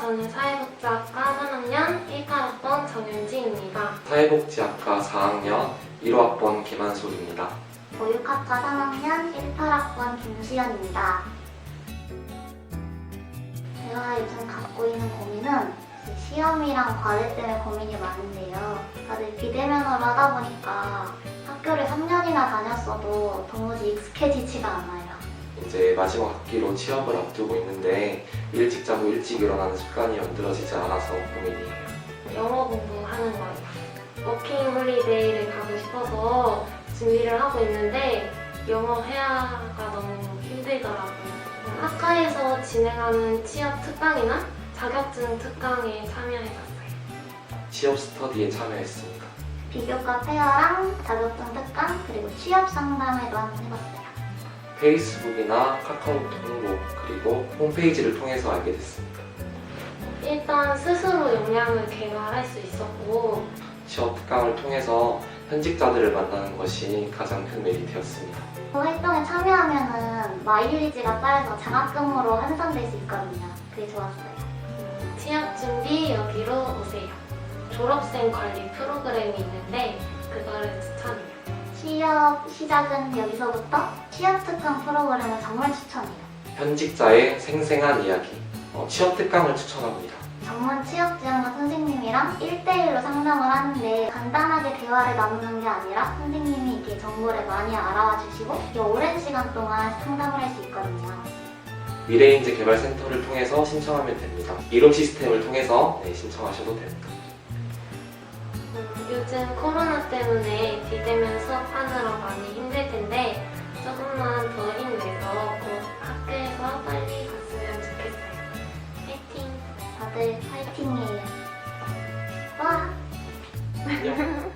저는 사회복지학과 3학년 18학번 정윤지입니다. 사회복지학과 4학년 1호학번 김한솔입니다. 보육학과 3학년 18학번 김수연입니다. 제가 요즘 갖고 있는 고민은 시험이랑 과제 때문에 고민이 많은데요. 다들 비대면으로 하다 보니까 학교를 3년이나 다녔어도 도무지 익숙해지지가 않아요. 이제 마지막 학기로 취업을 앞두고 있는데 일찍 자고 일찍 일어나는 습관이 만들어지지 않아서 고민이에요. 영어 공부하는 거예요. 워킹 홀리데이를 가고 싶어서 준비를 하고 있는데 영어 회화가 너무 힘들더라고요. 학과에서 진행하는 취업 특강이나 자격증 특강에 참여해봤어요. 취업 스터디에 참여했습니다. 비교과 페어랑 자격증 특강 그리고 취업 상담회도 한번 해봤어요. 페이스북이나 카카오톡 홍보 그리고 홈페이지를 통해서 알게 됐습니다. 일단 스스로 역량을 개발할 수 있었고 취업 특강을 통해서 현직자들을 만나는 것이 가장 큰 메리트였습니다. 활동에 참여하면은 마일리지가 쌓여서 장학금으로 환산될 수 있거든요. 그게 좋았어요. 취업 준비 여기로 오세요. 졸업생 관리 프로그램이 있는데 그거를 추천해요. 취업 시작은 여기서부터 취업 특강 프로그램을 정말 추천해요. 현직자의 생생한 이야기, 취업 특강을 추천합니다. 전문 취업지원과 선생님이랑 1대1로 상담을 하는데 간단하게 대화를 나누는 게 아니라 선생님이 이렇게 정보를 많이 알아와 주시고 오랜 시간 동안 상담을 할 수 있거든요. 미래인재 개발센터를 통해서 신청하면 됩니다. 이론 시스템을 통해서 신청하셔도 됩니다. 요즘 코로나 때문에 비대면 수업하느라 많이 힘들 텐데 조금만 더 힘내서 꼭 학교에서 빨리 갔으면 좋겠어요. 파이팅! 다들 파이팅이에요. 와! 안녕.